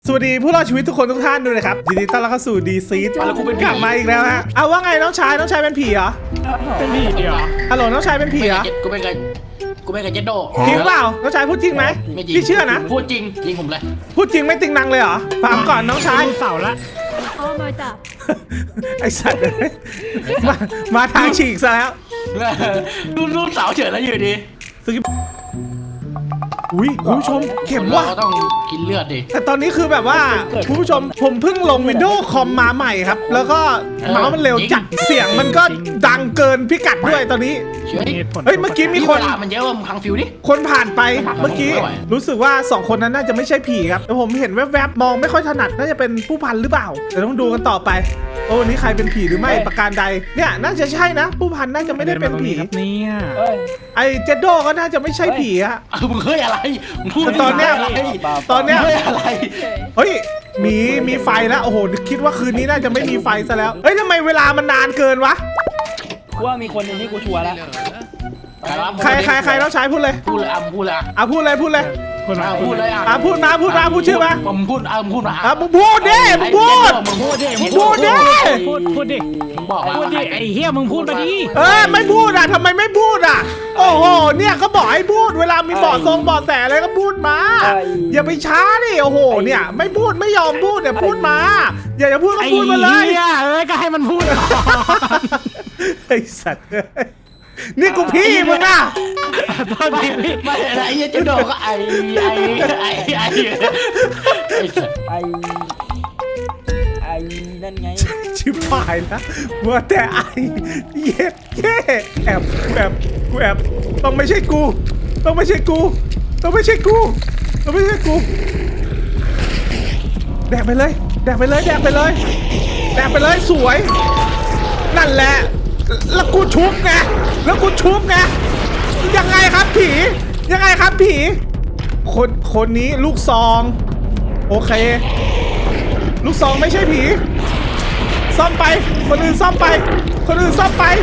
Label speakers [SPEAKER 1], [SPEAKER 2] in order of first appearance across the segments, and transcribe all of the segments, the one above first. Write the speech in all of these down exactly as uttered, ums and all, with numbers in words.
[SPEAKER 1] สวัสดีผู้รอดชีวิตทุกคนทุกท่านด้วยนะครับยินดีต้อนรับเข้าสู่ดีซีดกลับมาอีกแล้วฮะเอาว่าไงน้องชายน้องชายเป็นผีเหรอ
[SPEAKER 2] เป็นผีเหรอ
[SPEAKER 1] ฮัลโหลน้องชายเป็นผีเหรอ
[SPEAKER 3] กูเป็นไงกูเป็นไงเจโด
[SPEAKER 1] จริงเปล่าน้องชายพูดจริงไหมพี่เชื่อนะ
[SPEAKER 3] พูดจริงจริงผมเลย
[SPEAKER 1] พูดจริงไม่ติงนังเลยเหรอฟังก่อนน้องชาย
[SPEAKER 2] เสาละ
[SPEAKER 1] ไอสัตว์มามาทางฉีกซะแล้ว
[SPEAKER 3] รูปรูปเสาเฉยแล้วอยู่ดี
[SPEAKER 1] อุ้ยคุณผู้ชมเข็มว่ะ
[SPEAKER 3] เราต้องกินเลือดดิ
[SPEAKER 1] แต่ตอนนี้คือแบบว่าคุณผู้ชมผมเพิ่งลง Windows คอมมาใหม่ครับแล้วก็เมาส์มันเร็วจัดเสียงมันก็ดังเกินพิกัดด้วยตอนนี้เฮ้ยเมื่อกี้มีคน
[SPEAKER 3] มันเยอะว่ามึงคังฟิวดิ
[SPEAKER 1] คนผ่านไปเมื่อกี้รู้สึกว่าสองคนนั้นน่าจะไม่ใช่ผีครับแต่ผมเห็นแวบๆมองไม่ค่อยถนัดน่าจะเป็นผู้พันหรือเปล่าเดี๋ยวต้องดูกันต่อไปโอ้นี่ใครเป็นผีหรือไม่ประการใดเนี่ยน่าจะใช่นะผู้พันน่าจะไม่ได้เป็นผี
[SPEAKER 2] เนี่ย
[SPEAKER 1] ไอเจโดก็น่าจะไม่ใช่ผีอะ
[SPEAKER 3] มึงเฮ้ยอะไร
[SPEAKER 1] ตอนเนี้ยตอนเนี้ย
[SPEAKER 3] เฮ้ยอะไร
[SPEAKER 1] เฮ้ยมีมีไฟแล้วโอ้โหคิดว่าคืนนี้น่าจะไม่มีไฟซะแล้วเฮ้ยทำไมเวลามันนานเกินวะ
[SPEAKER 4] ว่ามีคนหนึ่งที่กูชัวร์แล้ว
[SPEAKER 1] ใครใครใครต้องใช้พูดเลย
[SPEAKER 3] พูดเลยอ่ะพูดเลย
[SPEAKER 1] อ่ะพูดเลยพูดเลย
[SPEAKER 3] พูดมาพูดเลย
[SPEAKER 1] อ่ะพูดมาพูดมาพูดชื่อมา
[SPEAKER 3] ผมพูดอ่ะพูดมา
[SPEAKER 1] อ่ะมึงพูดดิมึงพูด
[SPEAKER 3] มึงพูดดิ
[SPEAKER 1] มึงพูดดิ
[SPEAKER 2] พูดพูดดิ
[SPEAKER 3] มึงบอกมา
[SPEAKER 2] พูดดิไอ้เหี้ยมึงพูดมาดิ
[SPEAKER 1] เออไม่พูดอ่ะทำไมไม่พูดอ่ะโอ้โหเนี่ยเขาบอกให้พูดเวลามีเบาะทรงเบาะแสอะไรก็พูดมาอย่าไปช้าดิโอ้โหเนี่ยไม่พูดไม่ยอมพูดเนี่ยพูดมาอย่าจะพูดก็พูดมาเลย
[SPEAKER 2] เอ้ยก็ให้มันพูด
[SPEAKER 1] ไอ้สัตว์นี่กูพี่มึงอ่ะ
[SPEAKER 3] ตอนนี้ไม่อะไรยังจะโดนก็ไอ้ไอ้ไอ้ไอ้
[SPEAKER 4] ไอ้ไอ้นั่นไง
[SPEAKER 1] ชิบหายนะว่าแต่ไอ้เย็ดแค่แอบแอบกูแอบต้องไม่ใช่กูต้องไม่ใช่กูต้องไม่ใช่กูต้องไม่ใช่กูแดกไปเลยแดกไปเลยแดกไปเลยแดกไปเลยสวยนั่นแหละแล้วกูชุบไงแล้วกูชุบไงยังไงครับผียังไงครับผีคนคนนี้ลูกซองโอเคลูกซองไม่ใช่ผีซ่อมไปคนอื่นซ่อมไปคนอื่นซ่อมไป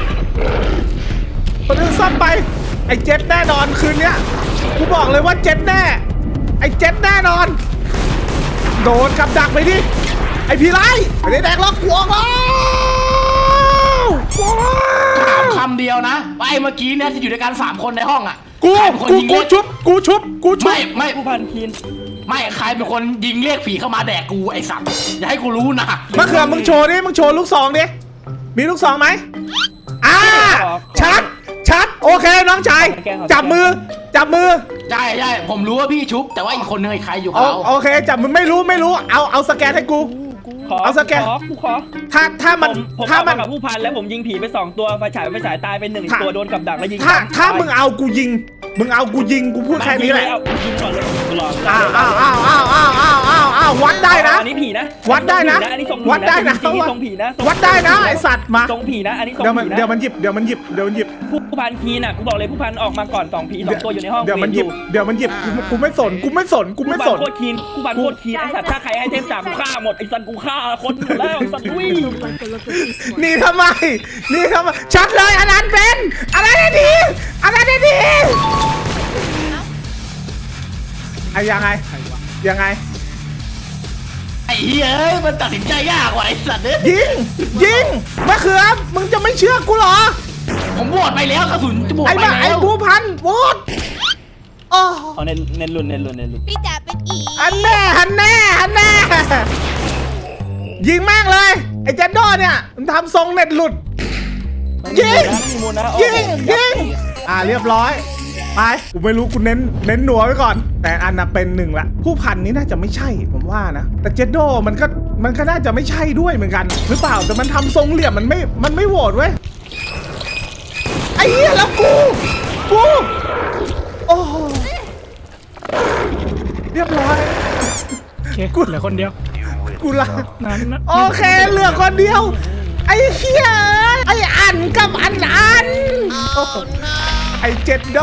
[SPEAKER 1] คนอื่นซ่อมไปไอ้เจ็ดแน่นอนคืนเนี้ยกูบอกเลยว่าเจ็ดแน่ไอ้เจ็ดแน่นอนโดนกับดักไปดิไอ้ผีไล่ไม่ได้แดกล็อกหัวเขา
[SPEAKER 3] ถามคำเดียวนะว่าไอ้เมื่อกี้เนี่ยที่อยู่ด้วยกันสามคนในห้องอ่ะ
[SPEAKER 1] กูกูกูชุบกูชุบกูชุบ
[SPEAKER 3] ไม่ไม่
[SPEAKER 4] ผู้พันคีน
[SPEAKER 3] ไม่ใครเป็นคนยิงเรียกผีเข้ามาแดกกูไอ้สัตว์อย่าให้กูรู้นะ
[SPEAKER 1] มะเขือมึงโชว์ดิมึงโชว์ลูกซองดิมีลูกซองไหมอ่าชัดชัดโอเคน้องชายจับมือจับมือ
[SPEAKER 3] ใช่ใช่ผมรู้ว่าพี่ชุบแต่ว่าอีกคนนึงใครอยู่เขา
[SPEAKER 1] โอเคจับมึงไม่รู้ไม่รู้เอาเอาสแกนให้กูเอาสแกน
[SPEAKER 4] กูขอ
[SPEAKER 1] ถ้าถ้ามัน
[SPEAKER 4] ถ้ามันกับผู้พันแล้วผมยิงผีไปสองตัวไฟฉายไฟฉายตายไปหนึ่งตัวโดนกับดักแล้วยิง
[SPEAKER 1] ถ้าถ้ามึงเอากูยิงมึงเอากูยิงกูพูดแค่นี้แหละ
[SPEAKER 4] ยิงก่อนเลยรอ
[SPEAKER 1] อ้าวอ้าวอ้าวอ้าวอ้าวอ้าวอ้าวอ้าววัดได้นะ
[SPEAKER 4] อันนี้ผีนะ
[SPEAKER 1] วัดได้นะวัดได้นะ
[SPEAKER 4] ทรงผีนะ
[SPEAKER 1] วัดได้นะไอสัตว์มา
[SPEAKER 4] ทรงผีนะอันนี้ทรง
[SPEAKER 1] ผีนะเดี๋ยวมันหยิบเดี๋ยวมันหยิบเดี๋ยวมันหยิบ
[SPEAKER 4] ผู้พันคีน่ะกูบอกเลยผู้พันออกมาก่อนสองผีสองตัวอยู่ในห้อง
[SPEAKER 1] เดี๋ยวมันหยิบเดี๋ยวมันหยิบกูไม่สนกูไม่สนกูไม่สน
[SPEAKER 4] โคตรคีนผู้พันโคตรคีนไอสัตว์ถ้าใครให้เทพจ่ากูฆ่าหมดไอสัตว์กูฆ่าคนหมดแล้วสัตว์วิ่ง
[SPEAKER 1] นี่ทำไมนี่ทำไมชัดเลยอันนั้นเป็นอะไรได้ดีอะไรได้ดีไอ้ยังไงยังไง
[SPEAKER 3] ไอ้เฮ้ยมันตัดสินใจยากกว่าไอ้สัตว์เนี่ย
[SPEAKER 1] ยิงยิงมะเขือมึงจะไม่เชื่อกูเหรอ
[SPEAKER 3] ผมโหวตไปแล้วกระสุนจะโหวตไปแล้ว
[SPEAKER 1] ไอ้ผู้พันโหวต
[SPEAKER 4] โอ้เน้นเน้นรุ่นเน้นรุ่นเน้นรุ่น
[SPEAKER 5] พี่จ๋าเป็นอี
[SPEAKER 1] อันแน่อันแน่อันแน่ยิงแม่งเลยไอ้เจนโดเนี่ยมันทำทรงเน็ตหลุดยิงยิงยิงอ่าเรียบร้อยไปกูไม่รู้กูเน้นเน้นหนัวไว้ก่อนแต่อันน่ะเป็นหนึ่งละผู้พันนี้น่าจะไม่ใช่ผมว่านะแต่เจนโดมันก็มันก็น่าจะไม่ใช่ด้วยเหมือนกันหรือเปล่าแต่มันทำทรงเหลี่ยมมันไม่มันไม่โหวตเว้ยไอ้เหี้ยแล้วกูกูโอ้เรียบร้อย
[SPEAKER 2] กูเหลือคนเดียว
[SPEAKER 1] กูละโอเคเหลือคนเดียวไอ้เหี้ยไอ้อันกับอันอันไอ้เจ็ดโด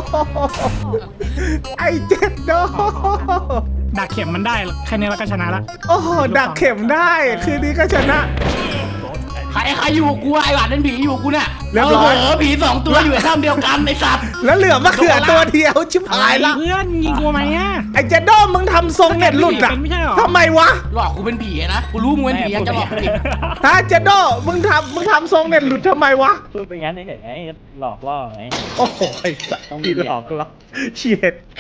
[SPEAKER 1] ไอ้เจ็ดโด
[SPEAKER 2] ดักเข็มมันได้แค่นี้เราก็ชนะละ
[SPEAKER 1] โอ้โหดักเข็มได้คืนนี้ก็ชนะ
[SPEAKER 3] ใครใครอยู่กูไอ้หวานนั่นผีอยู่กูเนี่ย
[SPEAKER 1] เรียบร้อย
[SPEAKER 3] โอ้โหผีสองตัวอยู่ในถ้ำเดียวกันไอ้สัตว์
[SPEAKER 1] แล้วเหลือมะเขือตัวเดียวชิบหายละ
[SPEAKER 2] เพื่อนยิงกูไหมอ่ะ
[SPEAKER 1] ไอ้เจโดมึงทำทรงเน็ตหลุดอะ
[SPEAKER 2] เป็นไม่ใช่หรอ
[SPEAKER 1] ทำไมวะ
[SPEAKER 3] หลอกกูเป็นผีนะกูรู้มึงเป็นผียังจะหลอกกูอีก
[SPEAKER 1] ฮะเจโดมึงทำมึงทำทรงเน็ตหลุดทำไมวะ
[SPEAKER 4] พูดไปงั้นเฉยๆไงหลอกล่อไง
[SPEAKER 1] โอ้โหไอ้สัตว์
[SPEAKER 4] ต้อง
[SPEAKER 1] ที่
[SPEAKER 4] เหลี่
[SPEAKER 1] หล
[SPEAKER 4] ยม
[SPEAKER 1] อกเราเฉียดเค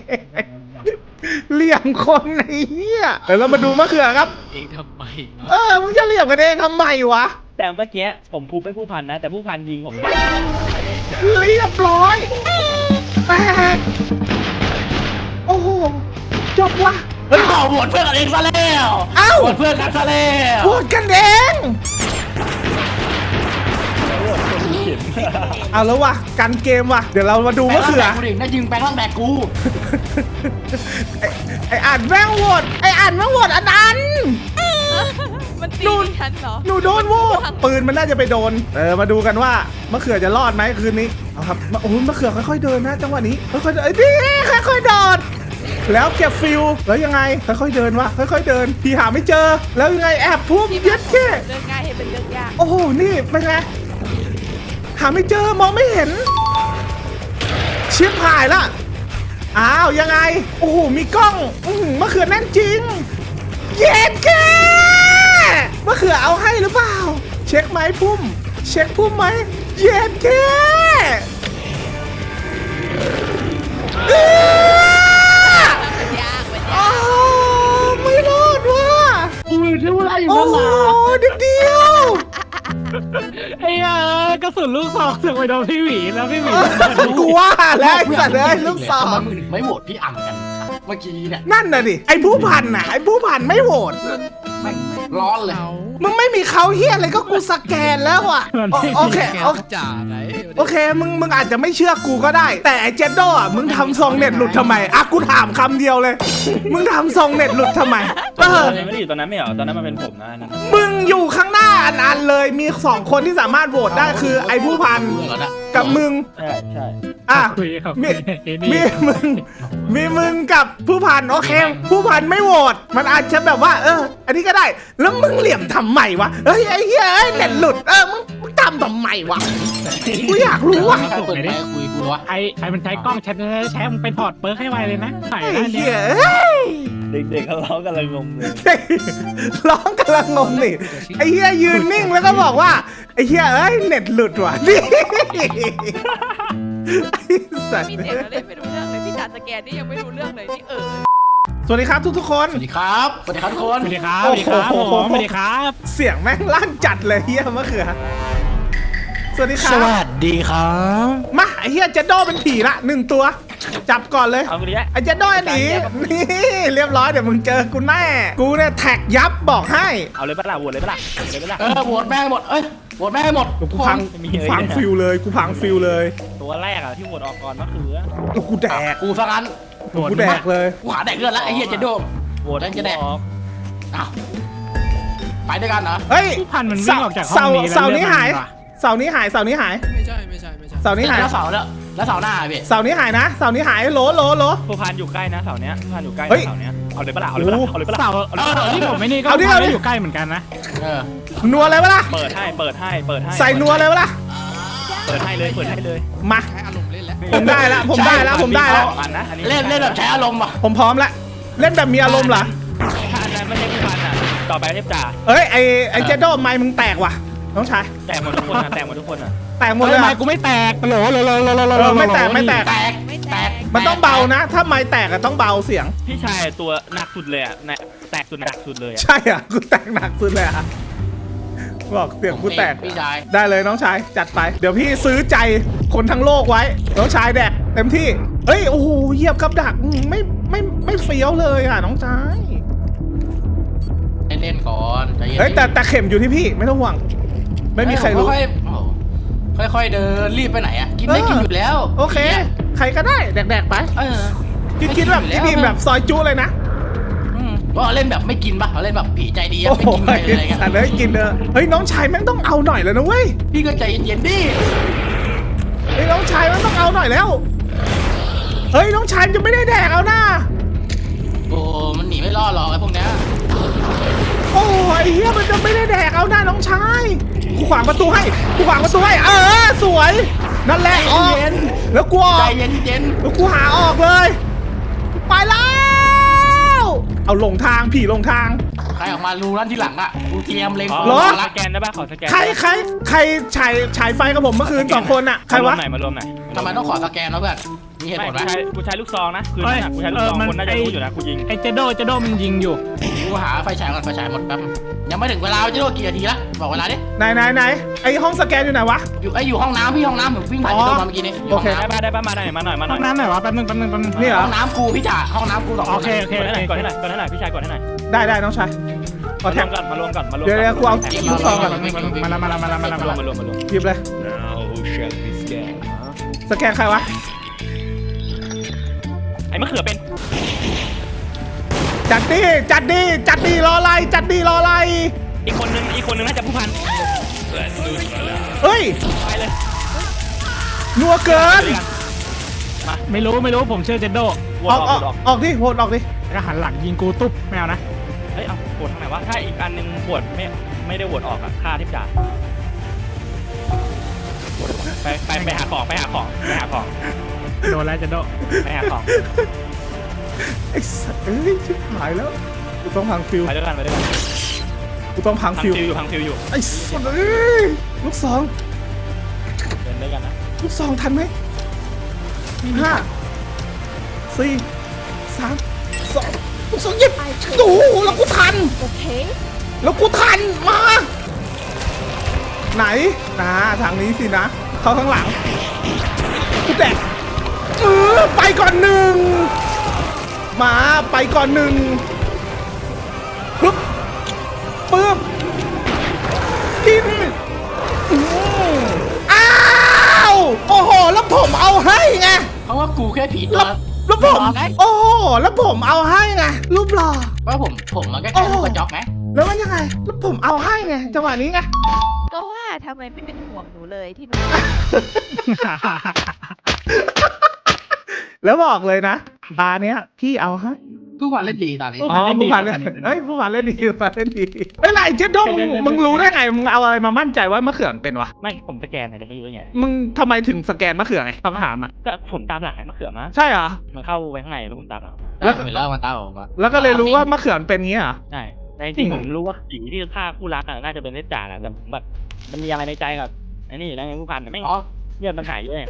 [SPEAKER 1] เหลี่ยมคนไอ้เหี้ยเดี๋ยวเรามาดูมะเขือครับ
[SPEAKER 3] เองทำไม
[SPEAKER 1] เออมึงจะเหลี่ยมกันเองทำไมวะ
[SPEAKER 4] แต่เมื่อกี้ผมพูดไปผู้พันนะ แต่ผู้พันยิงผม
[SPEAKER 1] เรียบร้อยแตกโอ้โหจบวะ
[SPEAKER 3] เฮ้ยบอกโหวตเพื่อนกันเองซะแล้ว
[SPEAKER 1] เอ้า
[SPEAKER 3] โหวตเพื่อนกันซะแล้ว
[SPEAKER 1] โหวตกันเองเอาแล้ววะกันเกมวะเดี๋ยวเรามาดูมะเขือ
[SPEAKER 3] แบงค์กูดิน่ายิงแบงค์ล่างแบกกู
[SPEAKER 1] ไอ้ไออ่านแม่งโหวตไออ่านแม่งโหวตอันนั้น
[SPEAKER 5] มันตีฉันเหรอ
[SPEAKER 1] หนูโดนโหวตปืนมันน่าจะไปโดนเออมาดูกันว่ามะเขือจะรอดไหมคืนนี้เอาครับมาโอ้ยมะเขือค่อยๆเดินนะจังหวะนี้ค่อยๆเดินเอ้ยนี่ค่อยๆโดดแล้วเก็บฟิลแล้วยังไงค่อยๆเดินวะค่อยๆเดินพี่หาไม่เจอแล้วยังไงแอบพุ่ม
[SPEAKER 5] ที่
[SPEAKER 1] เย็ดแค่
[SPEAKER 5] เรื่องง่ายให้เป็นเรื่องยาก
[SPEAKER 1] โอ้โหนี่เป็นไงหาไม่เจอมองไม่เห็นชิบหายละอ้าวยังไงโอ้โหมีกล้องอื้อหือมะเขือแน่นจริงเย็ดแค่มะเขือเอาให้หรือเปล่าเช็คไหมพุ่มเช็คพุ่มไหมเย็ดแค่อื้อ
[SPEAKER 5] มันยากมันยา
[SPEAKER 1] อ้าก วไม่รอดว่ะ
[SPEAKER 3] กูชื่ออะไรอยู่
[SPEAKER 1] โอ้
[SPEAKER 3] นั่น
[SPEAKER 1] โห
[SPEAKER 3] ล่ะ
[SPEAKER 1] เดียวเดียว
[SPEAKER 2] ไอ้เอ้ยกระสุนลูกซองเสือกไปโดนพี่หวีแล้วพี่หวี
[SPEAKER 1] กูว่าแล้วไอ้สัตว์เลยลูกสาว
[SPEAKER 3] ทำไมมึงถึงไม่โหวตพี่อ่ำกันเมื่อกี้เนี่ย
[SPEAKER 1] นั่นน่ะดิไอ้ผู้พันน่ะไอ้ผู้พันไม่โหวต
[SPEAKER 3] แม่งร้อนเลย
[SPEAKER 1] มึงไม่มีเขาเฮียอะไรก็กูสแกนแล้วอ่ะโอโอเคโอเค
[SPEAKER 6] จ่าไหน
[SPEAKER 1] โอเคมึงมึงอาจจะไม่เชื่อกูก็ได้ แต่ไอ้เจดโดอ่ะมึงทำทรงเน็ตหลุดทำไมอ่ะกูถามคำเดียวเลย มึงทำทรงเน็ตหลุดทำไมเออ
[SPEAKER 4] ไม่ได้อยู่ตอนนั้นไม่เหรอตอนนั้นมันเป็นผมนะอันนั้น
[SPEAKER 1] มึงอยู่ข้างหน้าอันอันเลยมีสองคนที่สามารถโหวตได้คือไอ้ผู้พัน
[SPEAKER 3] เพื่อนแล้วนะ
[SPEAKER 1] กับมึง
[SPEAKER 4] ใช่ใช่
[SPEAKER 1] อ่ะ
[SPEAKER 2] คุยครับ
[SPEAKER 1] มี
[SPEAKER 2] ไอ้
[SPEAKER 1] มี
[SPEAKER 2] นี่
[SPEAKER 1] มึงมีมึงกับผู้พันโอเค ผู้พันไม่โหวตมันอาจจะแบบว่า เออ อันนี้ก็ได้ แล้วมึงเหลี่ยมทำไมวะเฮ้ยไอ้เหี้ยเอ้ยเน็ตหลุดเออมึงมึงทำทำไมวะกูอยากรู้ว่ะ
[SPEAKER 3] ใครเปิดไมค์คุยกูวะ
[SPEAKER 2] ไอ้ไอ้มันใช้กล้องแชทแชทมึงไปถอดเปิร์กให้ไวเลยนะใส่
[SPEAKER 1] ไอ้
[SPEAKER 2] ได้เนี่
[SPEAKER 1] เหี้ย
[SPEAKER 2] ย
[SPEAKER 1] เอ้ย
[SPEAKER 4] เด็กๆเขาร้องกันเลยงงเลย
[SPEAKER 1] ร้องกำลังงงนี่ไอ้เหี้ยยืนนิ่งแล้วก็บอกว่าไอ้เหี้ยเอ้ยเน็ตหลุดว่ะนี่ไอ้สัตว์
[SPEAKER 5] มีเสียงแล้วเล่นไม่รู้เรื่องเลยพี่จ่าสแกนนี่ยังไม่รู้เรื่องเลยนี่เออ
[SPEAKER 1] สวัสดีครับทุกๆคน
[SPEAKER 3] สวัสดีครับสวัสดีครับทุกคน
[SPEAKER 2] สวัสดีครับสวัสดีครับผมสวัสดีครับ
[SPEAKER 1] เสียงแม่งลั่นจัดเลยเฮียมะเขือสวัสดีครั
[SPEAKER 3] ส
[SPEAKER 1] บ
[SPEAKER 3] วัสดีครับ
[SPEAKER 1] มาไอเฮียเจดโดเป็นผีละหนึ่งตัว จับก่อนเลย
[SPEAKER 4] เอาไปดิ
[SPEAKER 1] ไอเจดโดหนีนี่เรียบร้อยเดี๋ยวมึงเจอกูแน่กูเนี่ยแท็กยับบอกให้
[SPEAKER 4] เอาเลยปะล่ะโหวตเลยปะล่ะโหวตเลยปะล่ะ
[SPEAKER 3] เออโหวตแม่งหมดเอ้ยโหวตแม่งหมด
[SPEAKER 1] กูพัง
[SPEAKER 4] มี
[SPEAKER 1] กู
[SPEAKER 4] เลย
[SPEAKER 1] พัง
[SPEAKER 4] นะ
[SPEAKER 1] ฟิลเลยกูพังฟิลเลย
[SPEAKER 4] ตัวแรกอะที่โหวตออกก่อนก็คือ
[SPEAKER 1] แล้วกูแดก
[SPEAKER 3] กูซะงั้น
[SPEAKER 1] กูแดกเลย
[SPEAKER 3] กูหาแดกเลือดแล้วไอ้เหี้ยเจโด
[SPEAKER 4] โหวต
[SPEAKER 3] แล้วจะแดก
[SPEAKER 4] ออก
[SPEAKER 3] อ้าวไปด้วยกันเหรอ
[SPEAKER 1] เฮ้ย
[SPEAKER 2] ผู้พันมันวิ่งออกจากห้องนี้แล้ว
[SPEAKER 1] เสาร์นี้หาย
[SPEAKER 2] เลือดมันว่ะ
[SPEAKER 1] เสาร์นี้หายเสาร์นี้หาย
[SPEAKER 6] ไม่ใช่ไม่ใช่ไม่ใช่
[SPEAKER 1] เสาร์นี้หาย
[SPEAKER 3] แล้วเสาร์แล้วแล้วเสาร์หน้าพี่
[SPEAKER 1] เสาร์นี้หายนะเสาร์นี้หายโหลโหลโหล
[SPEAKER 4] ผู้พันอยู่ใกล้นะเสาเนี้ยผู้พันอยู่ใกล้
[SPEAKER 1] เฮ้ย
[SPEAKER 4] นะเสาเนี้ยเอาเลยปะล่ะเอาเลยปะล่ะเอาเลยปะล่ะ
[SPEAKER 2] เสาเออที่ผมไม่นี่ก็
[SPEAKER 1] เอาดิ
[SPEAKER 2] ผู้พั
[SPEAKER 1] เอา
[SPEAKER 2] น
[SPEAKER 1] ดิ
[SPEAKER 2] ก็อยู่ใกล้เหมือนกันนะ
[SPEAKER 3] เออ
[SPEAKER 1] นัวเลยวะล่ะ
[SPEAKER 4] เปิดให้เปิดให้เปิดให้
[SPEAKER 1] ใส่นัวเลยวะล่ะ
[SPEAKER 4] เปิดให้เลยเปิดให้เลย
[SPEAKER 1] มา
[SPEAKER 6] ใช้อารมณ์เล่นแล้ว
[SPEAKER 1] ผมได้แล้วผมได้แล้วผมได้แล้ว
[SPEAKER 4] อันนะอันนี้
[SPEAKER 3] เล่นเล่นแบบใช้อารมณ์อ่ะ
[SPEAKER 1] ผมพร้อมแล้วเล่นแบบมีอารมณ์เหรอ
[SPEAKER 4] ถ้าอันนั้นไม่ใช่ผู้พันอะต่อไปเทพจ่า
[SPEAKER 1] เอ้ยไอไอเจโดไม้มึงแตกว่ะน้องชาย
[SPEAKER 4] แตกหมดทุกคนนะแตกหมดทุกคนอะ
[SPEAKER 1] แตกหมด
[SPEAKER 2] เฮ้
[SPEAKER 1] เลย ย
[SPEAKER 2] ไม้
[SPEAKER 1] อะ
[SPEAKER 2] กูไม่แตกโหลโหลโหลโหลโหลโหล
[SPEAKER 1] เออไม่แตกไม่แตก
[SPEAKER 3] แตก
[SPEAKER 5] ไม่
[SPEAKER 3] แต
[SPEAKER 5] แต
[SPEAKER 3] ก
[SPEAKER 5] ก
[SPEAKER 1] มันต้องเบานะ ถ้าไม้แตกอะต้องเบาเสียง
[SPEAKER 4] พี่ชายตัวหนักสุดเลยอะแน่แตกสุดหนักสุดเลยอะ
[SPEAKER 1] ใช่อ่ะกูแตกหนักสุดเลยอ่ะบอกเสียงกูแตก
[SPEAKER 3] พี่ชาย
[SPEAKER 1] ได้เลยน้องชายจัดไป เดี๋ยวพี่ซื้อใจคนทั้งโลกไว้น้องชายแดกเต็มที่เฮ้ยโอ้โหเหยียบกับดักอืมไม่ไม่ไม่เฟี้ยวเลยอ่ะน้องชาย
[SPEAKER 3] เล่นเล่นก่อนใจเย็น
[SPEAKER 1] เฮ้ยแต่แต่เข็มอยู่ที่พี่ไม่ต้องห่วงไม่มีใครรู้
[SPEAKER 3] ค่อยๆโอ้โหค่อยๆเดินรีบไปไหนอ่ะกินได้กินอยู่แล้ว
[SPEAKER 1] โอเค ใครก็ได้แดกๆไป
[SPEAKER 3] เออ
[SPEAKER 1] คิดคิดแบบพี่บีมแบบซอยจุเลยนะ
[SPEAKER 3] อืมว่าเล่นแบบไม่กินปะเราเล่นแบบผีใจดีอะ
[SPEAKER 1] โอ้
[SPEAKER 3] ไม่
[SPEAKER 1] โห
[SPEAKER 3] กินไปเลยอะไรเงี้ย
[SPEAKER 1] สัตว์เลยกินเด้อเฮ้ยน้องชายแม่งต้องเอาหน่อยแล้วนะเว้ย
[SPEAKER 3] พี่ก็ใจเย็นๆดิ
[SPEAKER 1] เฮ้ยน้องชายแม่งต้องเอาหน่อยแล้วเฮ้ยน้องชายจะไม่ได้แดกเอาหน้า
[SPEAKER 3] โอ้มันหนีไม่รอดหรอกไอ้พวกเนี้ย
[SPEAKER 1] โอ้ยเหี้ยมันจะไม่ได้แดกเอาหน้าน้องชายกูขวางประตูให้กูขวางประตูให้เออสวยนั่นแหละออกแล้วกูออ
[SPEAKER 3] ใจ
[SPEAKER 1] ก
[SPEAKER 3] เย็นเย็น
[SPEAKER 1] แล้วกูหาออกเลยไปแล้วเอาหลงทางผีหลงทาง
[SPEAKER 3] ใครออกมารูนั่นที่หลังอ่ะกูเตรียมเล็ง
[SPEAKER 1] เหรอ
[SPEAKER 2] สแกนได้ป่ะขอสแกน
[SPEAKER 1] ใครใครใครฉายฉายไฟกับผมเมื่อคืนสองคนอะใครวะ
[SPEAKER 2] มารวมไหนมารวมไหน
[SPEAKER 3] ทำไมต้องขอสแกนแล้วเพื่อนมีเหตุ
[SPEAKER 4] ไม่
[SPEAKER 3] ผลไหม
[SPEAKER 4] กูใช้กูใช้ลูกซองนะคือนั่นอะกูใช้ลูกซองคนน่าจะรู้อยู่นะกูยิง
[SPEAKER 2] ไอ้เจโดเจโดมันยิงอยู่
[SPEAKER 3] กูหาไฟฉายก่อนไฟฉายหมดแป๊บยังไม่ถึงเวลาจะโดนกี่นาทีละบอกเวลาดิ
[SPEAKER 1] ไหนไหนไหนไอห้องสแกนอยู่ไหนวะ
[SPEAKER 3] อยู่ไออยู่ห้องน้ำพี่ห้องน้ำผมวิ่งผ่านที่โดนมาเมื่อกี้นี้
[SPEAKER 1] โอเค
[SPEAKER 4] ได้ป่ะได้ป่ะมาหน่อยมาหน่อยมาหน่
[SPEAKER 2] ห้
[SPEAKER 4] อ
[SPEAKER 2] อย งน้ำไหนวะแป๊บนึงแป๊บนึงแป๊บนึง
[SPEAKER 1] นี่เหรอ
[SPEAKER 3] ห้องน้ำกูพี่จ่าห้องน้ำกูสองคน
[SPEAKER 2] โอเคโอเค
[SPEAKER 4] กดให้หน่อยกดให้หน่อยกดให้หน่อยพี่ชายกดให้หน่อย
[SPEAKER 1] ได้ได้น้องชายขอ
[SPEAKER 4] มาร
[SPEAKER 1] แท็
[SPEAKER 4] ว
[SPEAKER 1] ก
[SPEAKER 4] มก่อนมารวมก่อนมารวม
[SPEAKER 1] เดี๋ยวเดี๋ยวกูเอา ลูกซองก่อน
[SPEAKER 2] มาละมาละมาละมาละ
[SPEAKER 4] มารวม
[SPEAKER 2] มาละ
[SPEAKER 4] มารวมมารวม
[SPEAKER 1] หยิบเลย สแกนใครวะ
[SPEAKER 4] ไอ้มะเขือเป็น
[SPEAKER 1] จัดดีจัดดีจัดดีรออะไรจัดดีรออะไร
[SPEAKER 4] อีกคนนึงอีกคนนึงน่าจะผู้พัน
[SPEAKER 1] เฮ้ย
[SPEAKER 4] ไปเลย
[SPEAKER 1] นัวเกิน
[SPEAKER 2] ไม่รู้ไม่รู้ผมเชื่อเจโด
[SPEAKER 4] ว
[SPEAKER 1] อ
[SPEAKER 4] อ
[SPEAKER 1] อก
[SPEAKER 4] อ
[SPEAKER 1] อ
[SPEAKER 4] อ
[SPEAKER 1] อก
[SPEAKER 4] ก
[SPEAKER 1] ออกดิโหดออกดิ
[SPEAKER 2] แล้วก็หันหลังยิงกูตุ๊บไม่เอานะ
[SPEAKER 4] เฮ้ยเอาปวดทางไหนวะถ้าอีกอันนึงปวดไม่ไม่ได้ปวดออกอะฆ่าทิพจ่าไปไปไปหาของไปหาของไปหาของ
[SPEAKER 2] โดนแล้วเจโด
[SPEAKER 4] ไปหาของ
[SPEAKER 1] ไอ้สัสเอ้ยชิบหายแล้วกูต้องพังฟิว
[SPEAKER 4] ไปด้วยกันไปด้วยกัน
[SPEAKER 1] กูต้องพัง
[SPEAKER 4] พัง
[SPEAKER 1] ฟิว
[SPEAKER 4] ฟิวอยู่พังฟิวอยู่
[SPEAKER 1] ไอ้สัสเอ้ยลูกสอง
[SPEAKER 4] เดินด้วยกันนะ
[SPEAKER 1] ลูกสองทันไหมห้าสี่สามสองลูกสองหยิบโอ้โหแล้วกูทัน
[SPEAKER 5] โอเค
[SPEAKER 1] แล้วกูทันมา ไหนนะทางนี้สินะ เข้าข้างหลังกูแตะเออไปก่อนหนึ่งมาไปก่อนหนึ่งปึ๊บปึ๊บกินอืมอ้าวโอ้โหแล้วผมเอาให้ไง
[SPEAKER 3] เพราะว่ากูแค่ผีตั
[SPEAKER 1] แล้ว วแล้วผมโอ้โหแล้วผมเอาให้ไงรูปหล่อ
[SPEAKER 3] เพราะผมผมมันก็แค่ลูกกระจอกไหม
[SPEAKER 1] แล้วมันยังไงแล้วผมเอาให้ไงจังหวะนี้ไง
[SPEAKER 5] ก็ว่าทำไมไม่เป็นห่วงหนูเลยที่หนู
[SPEAKER 1] แล้วบอกเลยนะบาร์เนี้ยพี่เอาให้
[SPEAKER 3] ทุกวันเล่นดีตอนนี้
[SPEAKER 1] อ๋อผู้พันเล่นเอ้ยผู้พันเล่นดีผู้พันเล่นดีไอ้ไรเจ๊ดงมึงรู้ได้ไงมึงเอาอะไรมามั่นใจว่ามะเขือเป็นวะ
[SPEAKER 4] ไม่ผมสแกนไหนจะไม่รู้ไง
[SPEAKER 1] มึงทำไมถึงสแกนมะเขือไงคำถามอ่ะ
[SPEAKER 4] ก็ผมตามหลังไอ้มะเขือมา
[SPEAKER 1] ใช่เหรอ
[SPEAKER 4] มันเข้าไปข้างในแล้วผมตามหลัง
[SPEAKER 3] แล้วเห็นแล้วมันตาออกมา
[SPEAKER 1] แล้วก็เลยรู้ว่ามะเขือเป็นงี้เหรอ
[SPEAKER 4] ใช่ในจริงผมรู้ว่าผีที่ฆ่าคู่รักอะน่าจะเป็นเนตจ่าแหละแต่ผมแบบมันมีอะไรในใจกับไอ้นี่อยู่แล้วไงผู้พันไม่
[SPEAKER 3] อ๋อ
[SPEAKER 4] เงียบมันหายด้วย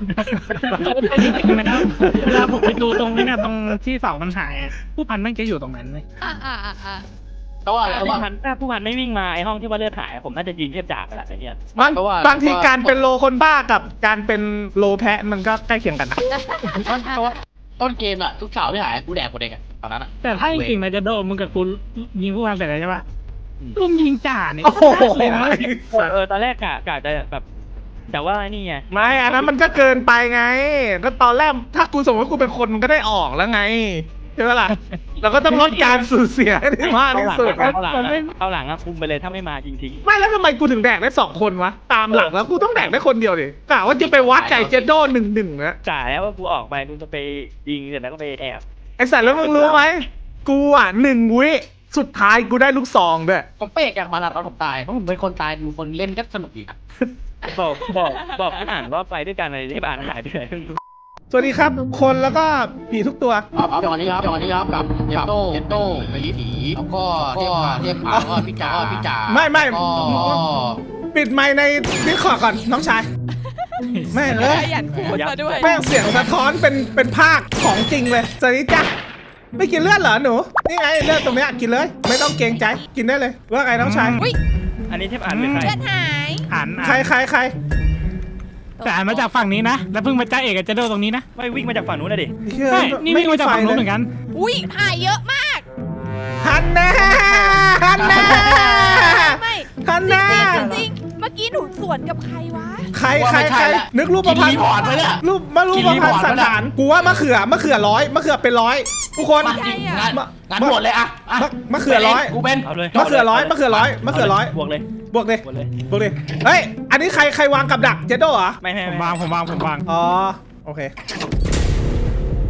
[SPEAKER 2] เวลาผมไปดูตรงนี้เนี่ยตรงที่เสามันหายอะผู้พันแม่งจะอยู่ตรงนั้นเลย
[SPEAKER 5] อ่าอ่าอ่าอ่า
[SPEAKER 3] เพราะว่า
[SPEAKER 4] ถ้า
[SPEAKER 3] เพราะ
[SPEAKER 4] ผู้
[SPEAKER 3] ว่า
[SPEAKER 4] พันถ้าผู้พันไม่วิ่งมาไอ้ห้องที่ว่าเลือดหายผมน่าจะยิงเทพจ่าไปละไอ้เนี่ย
[SPEAKER 1] บาง
[SPEAKER 3] เพราะว่า
[SPEAKER 1] บางทีการเป็นโลคนบ้ากับการเป็นโลแพะมันก็ใกล้เคียงกันนะ
[SPEAKER 3] เพราะว่าต้นเกมอะทุกเสาร์ที่หายกูแดกกูเด็กอะตอนนั้นอะ
[SPEAKER 2] แต่ถ้าจริงๆนะเจโดมึงกับกูยิงผู้พันเสร็จแล้วใช่ปะลุงยิงจ่าเนี่ย
[SPEAKER 1] โอ้โห
[SPEAKER 2] เลยนะ
[SPEAKER 4] เออเออตอนแรกกะกะจะแบบแต่ว่าไอ้นี่ไง
[SPEAKER 1] ไม่อันนั้นมันก็เกินไปไง ก็ตอนแรกถ้ากูสมมติว่ากูเป็นคนมันก็ได้ออกแล้วไงใช่ไหมล่ะ เราก็ต้องลดการสูญเสียให้ได้มากที่สุด
[SPEAKER 4] เข้าหลังอะเข้าหลังอะคุมไปเลยถ้าไม่มาจริงทิ้ง
[SPEAKER 1] ไม่แล้วทำไมกูถึงแดกได้สองคนวะ ตามหลังแล้วกูต้องแดกได้คนเดียวดิกะว่าจะไปวัดไก่เจโดหนึ่งหนึ่งนะ
[SPEAKER 4] จ่าแล้วว่ากูออกไปกูจะไปยิงเสร็จแล้วก็ไปแอบ
[SPEAKER 1] ไอสัตว์แล้วมึงรู้ไหมกูอ่ะหนึ่งวิสุดท้ายกูได้ลูกซองด้วย
[SPEAKER 3] ผมเป๊กอย่างมานาตอนผมตายเพราะผมเป็นคนตายดูคนเล่นก็สนุกดีครับ
[SPEAKER 4] บอกบอกบอกให้อ่านว่าไปด้วยกันอะไรที่อ่านหายไปไหน
[SPEAKER 1] สวัสดีครับคนแล้วก็ผีทุกตัว
[SPEAKER 3] เอาเอาอย่างนี้ครับอย่างนี้ครับกับกับเจโต้ไปลีผีแล้วก็เทพเทพขาก็พี่จ๋าพี่จ๋า
[SPEAKER 1] ไม่ไม่
[SPEAKER 3] ก็
[SPEAKER 1] ปิดไมค์ในดิสคอร์ดก่อนน้องชายแม่งเอ้ย
[SPEAKER 5] ขยันพูดมาด้วย
[SPEAKER 1] แม่งเสียงสะท้อนเป็นเป็นภาคของจริงเลยสวัสดีจ้ะไม่กินเลือดเหรอหนูนี่ไงเลือดตรงเนี้ยกินเลย ไม่ต้องเกรงใจกินได้เลยว่าไงน้องชาย
[SPEAKER 5] อุ้ย
[SPEAKER 4] อันนี้เทพอ่านเป็นใคร
[SPEAKER 5] เลือดหาย
[SPEAKER 2] อ่าน
[SPEAKER 1] ใครใครใคร
[SPEAKER 2] แต่อ่านมาจากฝั่งนี้นะแล้วเพิ่งมาจ้าเอกกับเจโดตรงนี้นะ
[SPEAKER 4] ไม่วิ่งมาจากฝั่งนู้นนะดิ
[SPEAKER 1] เชื่อ
[SPEAKER 2] ใช่นี่วิ่งมาจากฝั่งนู้นเหมือนกัน
[SPEAKER 5] อุ้ยหายเยอะมาก
[SPEAKER 1] ฮันแน่ฮันแน่
[SPEAKER 5] ไม่
[SPEAKER 1] ฮันแน่
[SPEAKER 5] จริงๆจริงๆเมื่อกี้หนูสวนกับใครวะ
[SPEAKER 1] ใครใครใครนึกรูปประพัน
[SPEAKER 3] รี
[SPEAKER 1] ธ์
[SPEAKER 3] พอร์ตไปเนี่ย
[SPEAKER 1] รูปมารูปประพันธ์สันฐานกูว่ามะเขือมะเขือร้อยมะเขือเป็นร้อยทุกคน
[SPEAKER 3] มาจริงงานงานหมดเลยอะอะ
[SPEAKER 1] มะมะเขือร้อย
[SPEAKER 3] กูเป็น
[SPEAKER 4] เอาเลย
[SPEAKER 1] มะเขือร้อยมะเขือร้อยมะเขือร้อย
[SPEAKER 4] บวกเลย
[SPEAKER 1] บวกดิ
[SPEAKER 4] บวกเลย
[SPEAKER 1] บวกดิเฮ้ยอันนี้ใครใครวางกับดักเจโดเหรอ
[SPEAKER 4] ไม่ไม่
[SPEAKER 2] ผม
[SPEAKER 4] ไม่
[SPEAKER 2] วางผมวางผมวาง
[SPEAKER 1] อ๋อโอเค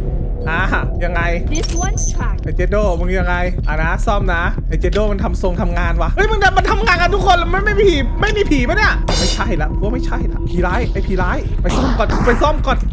[SPEAKER 1] อ่ะยังไง
[SPEAKER 5] This one's track
[SPEAKER 1] ไอเจโดมึงยังไงอ่ะนะซ่อมนะไอเจโดมันทำทรงทำงานวะเฮ้ยมึงมันทำงานกันทุกคนแล้วมันไม่มีผีไม่มีผีปะเนี่ยไม่ใช่ละว่าไม่ใช่ละผีร้ายไอผีร้ายไปซ่อมก่อนไปซ่อมก่อน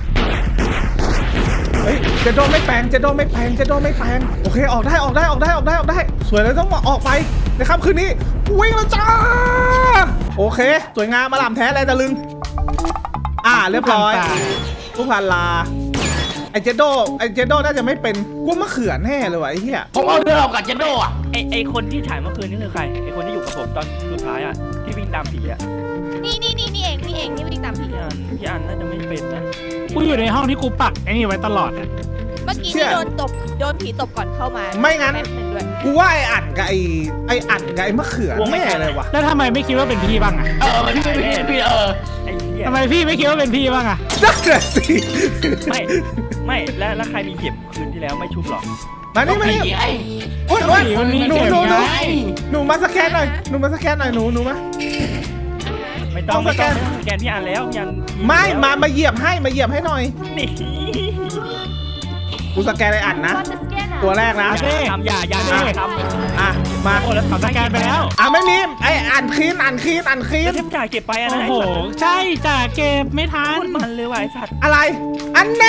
[SPEAKER 1] เฮ้ยเจโดไม่แปลงเจโดไม่แปลงเจโดไม่แปลงโอเคออกได้ออกได้ออกได้ออกได้ออกได้สวยเลยต้องออกไปในค่ำคืนนี้วิ่งแล้วจ้าโอเคสวยงามมาหล่ำแท้อะไรตะลึงอ่าเรียบร้อยผู้พันลาไอเจโดไอเจโดน่าจะไม่เป็นกูมะเขือแน่เลยวะไอ้เหี้ย
[SPEAKER 3] ผมเอาเรือออกกับเจนโดอ่ะ
[SPEAKER 4] ไอไอคนที่ฉายเมื่อคืนนี่คือใครไอคนที่อยู่กับผมตอนสุดท้ายอ่ะที่วิ่งตามผีอ่ะ
[SPEAKER 5] นี่นี่นี่นี่เองนี่เองที่วิ่งตามผี
[SPEAKER 4] พี่อันพี่อันน่าจะไม่เป็นนะ
[SPEAKER 2] กูอยู่ในห้องที่กูปักไอ้นี่ไว้ตลอดอะ
[SPEAKER 5] เมื่อกี้นี่โดนตบโดนผีตบก่อนเข้ามา
[SPEAKER 1] ไม่งั้น
[SPEAKER 5] แป๊บนึงด้วย
[SPEAKER 1] กูว่าไออัดกับไอไออัดกับไอมะเขือแน่เลยวะ
[SPEAKER 2] แล้วทำไมไม่คิดว่าเป็นพี่บ้างอะ
[SPEAKER 3] เออพี่พี่พี่เออ
[SPEAKER 4] ไอ้เหี้ย
[SPEAKER 2] ทำไมพี่ไม่คิดว่าเป็นพี่บ้างอะ
[SPEAKER 1] นั่นแหละสิ
[SPEAKER 4] ไม่ไม่แล้วแล้วใครมีเก็บคืนที่แล้วไม่ชุบหรอ
[SPEAKER 1] มานี่มานี่
[SPEAKER 3] ไอ้
[SPEAKER 1] โอ๊ยโอ๊ย
[SPEAKER 2] มันมี
[SPEAKER 1] หนู
[SPEAKER 2] เก็บ
[SPEAKER 1] หนูหนู
[SPEAKER 2] ไง
[SPEAKER 1] หนูมาสแกนหน่อยหนูมาสแกนหน่อยหนูหนูมา
[SPEAKER 4] ไม่ต้อง
[SPEAKER 1] ต้อง
[SPEAKER 4] ไม่
[SPEAKER 1] สแก
[SPEAKER 4] ต้อน งสแกนพี่อันแล้วพี่อัน
[SPEAKER 1] ไม่มามาเหยียบให้มาเหยียบให้หน่อย
[SPEAKER 4] นี่
[SPEAKER 1] กูสแกนไออัดนะ ตัวแรกนะ
[SPEAKER 4] อย่าทำอย่าอย่าอย่าทำ
[SPEAKER 1] อ่ะมา
[SPEAKER 4] โอ้แล้ว
[SPEAKER 2] สแกนไปแล้ว
[SPEAKER 1] อ่ะไม่มีไออ่านคลีนอ่านคลีนอ่านคลี
[SPEAKER 4] แล้ว
[SPEAKER 1] น
[SPEAKER 4] เทมจ่ายเก็บไปอะ
[SPEAKER 2] โอ้
[SPEAKER 4] นะ
[SPEAKER 2] โห ใช่จ่าเก็บไม่ทั
[SPEAKER 4] โคต
[SPEAKER 2] น
[SPEAKER 4] รมันเลยว่ะไอ้สัตว์
[SPEAKER 1] อะไรอันแน่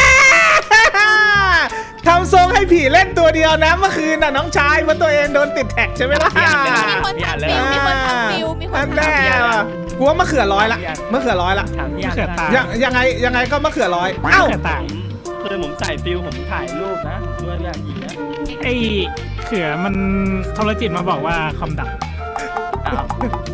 [SPEAKER 1] ทำทรงให้ผีเล่นตัวเดียวนะเมื่อคืนน่ะน้องชายว่าตัวเองโดนติดแท็กใช่ไหมล่ะ
[SPEAKER 5] มีคนทำฟิวมีคนทำฟิวมีคน
[SPEAKER 1] อัน
[SPEAKER 5] ทำ
[SPEAKER 1] แน่ว่ะกูว่า มะเขือร้อยละมะเขือร้อยละ
[SPEAKER 4] ถามพี่อัน
[SPEAKER 2] เกิดตา
[SPEAKER 1] ยังยังไงยังไงก็มะเขือร้อยเอ้า
[SPEAKER 2] เกิดต่าง
[SPEAKER 4] คือผมใส่ฟิลผมถ่ายรูปนะด้วยพี่อันยิงนะ
[SPEAKER 2] ไอ้เขือมันโทรจิตมาบอกว่าคอมดับ
[SPEAKER 4] อ้าว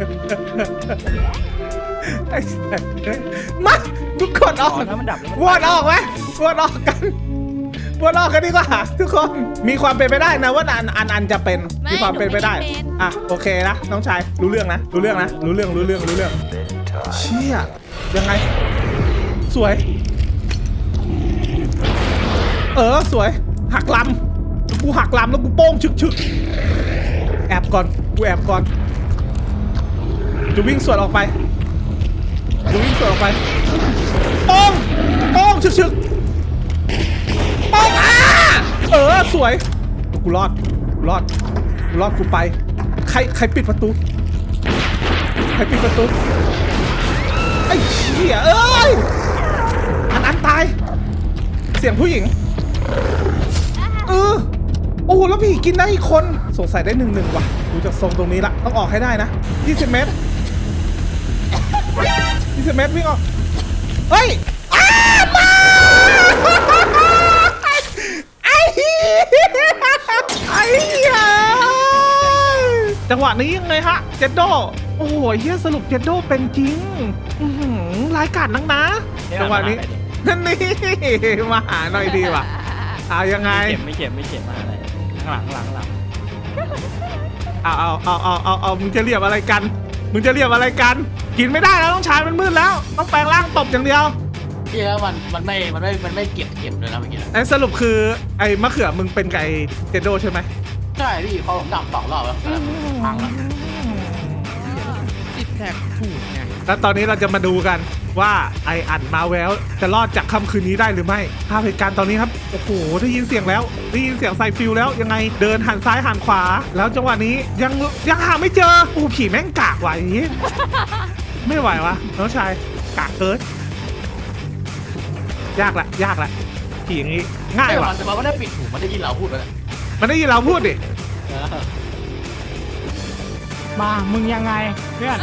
[SPEAKER 1] ไอ้สัสมาทุกคนอ
[SPEAKER 4] อ๋
[SPEAKER 1] อ
[SPEAKER 4] อก ถ้ามันดับแล้วมัน
[SPEAKER 1] วอดออกไหมวอดออกกันวอดออกกันดีกว่าทุกคนมีความเป็นไปได้นะว่าอันอันอันจะเป็นมีความเป็นไปได้อ่ะโอเคนะน้องชายรู้เรื่องนะรู้เรื่องนะรู้เรื่องรู้เรื่องรู้เรื่องเชี่ยยังไงสวยเออสวยหักลำกูหักลำแล้วกูโป้งชึกชึกแอบก่อนกูแอบก่อนจะวิ่งสวนออกไปจะวิ่งสวนออกไปโป้งโป้งชึกชึกโป้งอ่ะเออสวยกูรอดกูรอดกูรอดกูไปใครใครปิดประตูใครปิดประตูไอ้เหี้ยเอ้ยอันอันตายเสียงผู้หญิงเออโอ้โหแล้วพี่กินได้อีกคนสงสัยได้หนึ่งหนึ่งว่ะดูจากทรงตรงนี้ละต้องออกให้ได้นะยี่สิบเมตรยี่สิบเมตรวิ่งออกเฮ้ยอ้ามาไอ้เหี้ยไอ้เหี้ยจังหวะนี้ยังไงฮะเจดโดโอ้โหเฮียสรุปเจดโดเป็นจริงอื้อหือรายการนักนะจังหวะนี้นั่นนี่มาหาหน่อยดีว่ะเอายังไง
[SPEAKER 4] ไม่เก็บไม่เก็บไม่เก็บมาอะไรข้างหลังข้างหลังข้างหลัง
[SPEAKER 1] เอาเอาเอาเอาเอาเอามึงจะเรียบอะไรกัน มึงจะเรียบอะไรกัน กินไม่ได้แล้วต้องชายมันมืดแล้ว ต้องแปลงร่างตบอย่างเดียว
[SPEAKER 3] ที่แล้วมันมันไม่มันไม่มันไม่เก็บเก็บเลยนะเมื่อกี้
[SPEAKER 1] ไอ้สรุปคือไอ้มะเขือมึงเป็นไก่เจโดใช่ไหม
[SPEAKER 3] ใช่พี่พอผมดับสองรอบแล้วพังแล้ว
[SPEAKER 6] ติดแท็กถูกไง
[SPEAKER 1] แล้วตอนนี้เราจะมาดูกันว่าไออันมาแววจะรอดจากค่ำคืนนี้ได้หรือไม่ภาพเหตุการณ์ตอนนี้ครับโอ้โหได้ยินเสียงแล้วได้ยินเสียงไซฟิลแล้วยังไงเดินหันซ้ายหันขวา แล้วจังหวะนี้ยังยังหาไม่เจอโอ้ผีแม่งกากว่ะอย่างนี้ไม่ไหววะน้องชายกากเกินยากละยากละผีอย่างนี้ง่าย
[SPEAKER 3] แต่
[SPEAKER 1] ว่ะ
[SPEAKER 3] มันแต่มันไม่ได้ปิดหูมันได้ยินเราพูดเลย
[SPEAKER 1] มันได้ยินเราพูดดิ
[SPEAKER 2] มามึงยังไงเพื่อน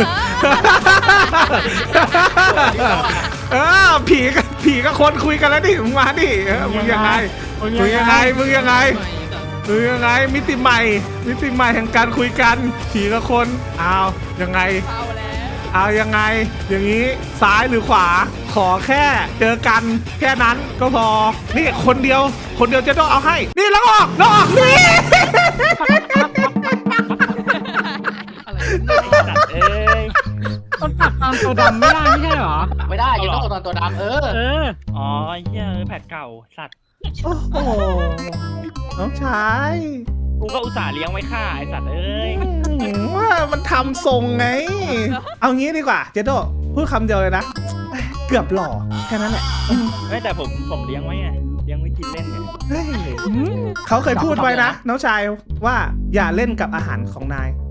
[SPEAKER 1] เออผีกับผีกับคนคุยกันแล้วดิมึงมาดิเออมึงยังไงมึงยังไงมึงยังไงมึงยังไงมิติใหม่ มิติใหม่แห่งการคุยกันผีกับคนเอายังไง
[SPEAKER 5] เอาแล้ว
[SPEAKER 1] เอายังไง อย่างนี้ซ้ายหรือขวา ขอแค่เจอกันแค่นั้นก็พอนี่คนเดียว คนเดียวจะต้องเอาให้ นี่แล้วออกแล้วออกนี่
[SPEAKER 4] สัตว์เอ้ย
[SPEAKER 2] มันปรับตามตัวดำไม่ได้ไม่ใช่เหรอ
[SPEAKER 3] ไม่ได้จะต้องตอนตัวดำเออ
[SPEAKER 2] เออ
[SPEAKER 4] อ๋อไอ้เหี้ยแผดเก่าสัตว์
[SPEAKER 1] โอ้โหน้องชาย
[SPEAKER 4] กูก็อุตส่าห์เลี้ยงไว้ฆ่าไอ้สัตว์เอ้ย
[SPEAKER 1] อืมว่ามันทำทรงไง เอางี้ดีกว่าเจโดพูดคำเดียวเลยนะ เกือบหล่อแค่นั้นแหละ
[SPEAKER 4] ไม่แต่ผมผมเลี้ยงไว้ไงเลี้ยงไว้กินเล่นไง
[SPEAKER 1] เฮ้ยเขาเคยพูดไว้นะ น้องชายว่าอย่าเล่นกับอาหารของนาย